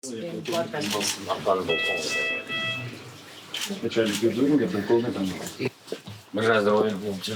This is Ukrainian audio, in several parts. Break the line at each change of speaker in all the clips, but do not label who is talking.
Бажаю здоров'я, хлопці.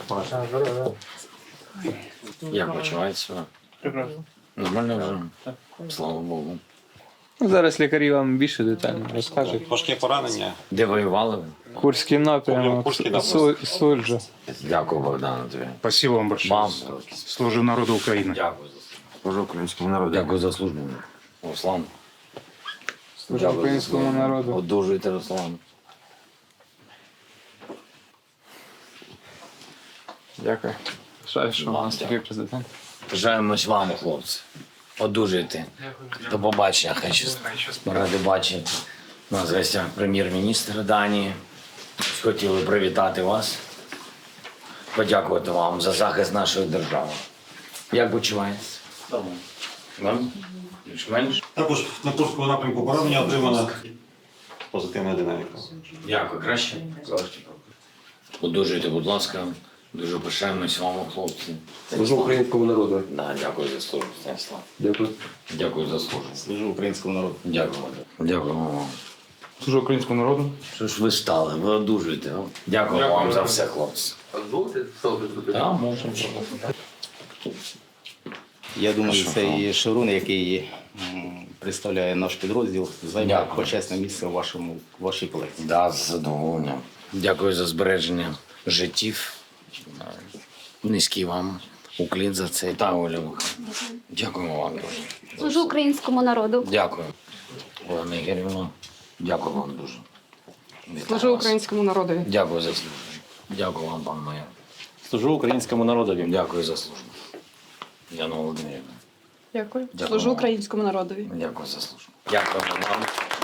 Як почувається?
Прекрасно.
Нормально вже? Слава Богу.
Ну, зараз лікарі вам більше детально розкажуть.
Важке поранення.
Де воювали ви?
Курський напрямок,
Курський напрямок.
Суджа.
Дякую, Богдану, тобі.
Спасибо вам большое.
Вам.
Служу народу України.
Дякую за службу. Служу українському народу. Дякую за службу. Руслан.
Служу українському народу.
Одужуйте, Руслан.
Дякую. Жаль, що у нас такий президент.
Бажаємось вам, хлопці. Одужуйте. До побачення, хай щастить. Ми раді бачити. У нас в гостях прем'єр-міністр Данії. Хотіли привітати вас. Подякувати вам за захист нашої держави. Як почуваєтесь? Нормально. Більш-менш?
Також на Курському напрямку поранення отримана позитивна динаміка.
Дякую. Краще? Краще. Одужуйте, будь ласка. Дуже пишаємось вами, хлопці.
Служу українському народу.
Да, дякую за службу, Станіслав.
Дякую.
Дякую за службу.
Служу українському народу.
Дякую. Дякую вам.
Служу українському народу.
Що ж ви стали? Ви одужуєте. О? Дякую вам за все, хлопці.
А дозволите селфі?
Так, можемо.
Я думаю, цей Шеврун, який представляє наш підрозділ, займе
Дякую.
почесне місце в вашій колекції.
Да, з задоволенням. Дякую за збереження життів. Низький вам уклін за це. Та, Оля Михайлівна. Дякуємо вам дуже.
Служу українському народу.
Дякую. Олена Ігорівна, дякую вам дуже. Вітаю
Служу
вас.
українському народу.
Дякую за службу. Дякую вам, пан майор.
Служу українському народові.
Дякую за службу. Яна Володимирівна.
Дякую.
Дякую
Служу
вам.
українському народові.
Дякую за службу. Дякую вам.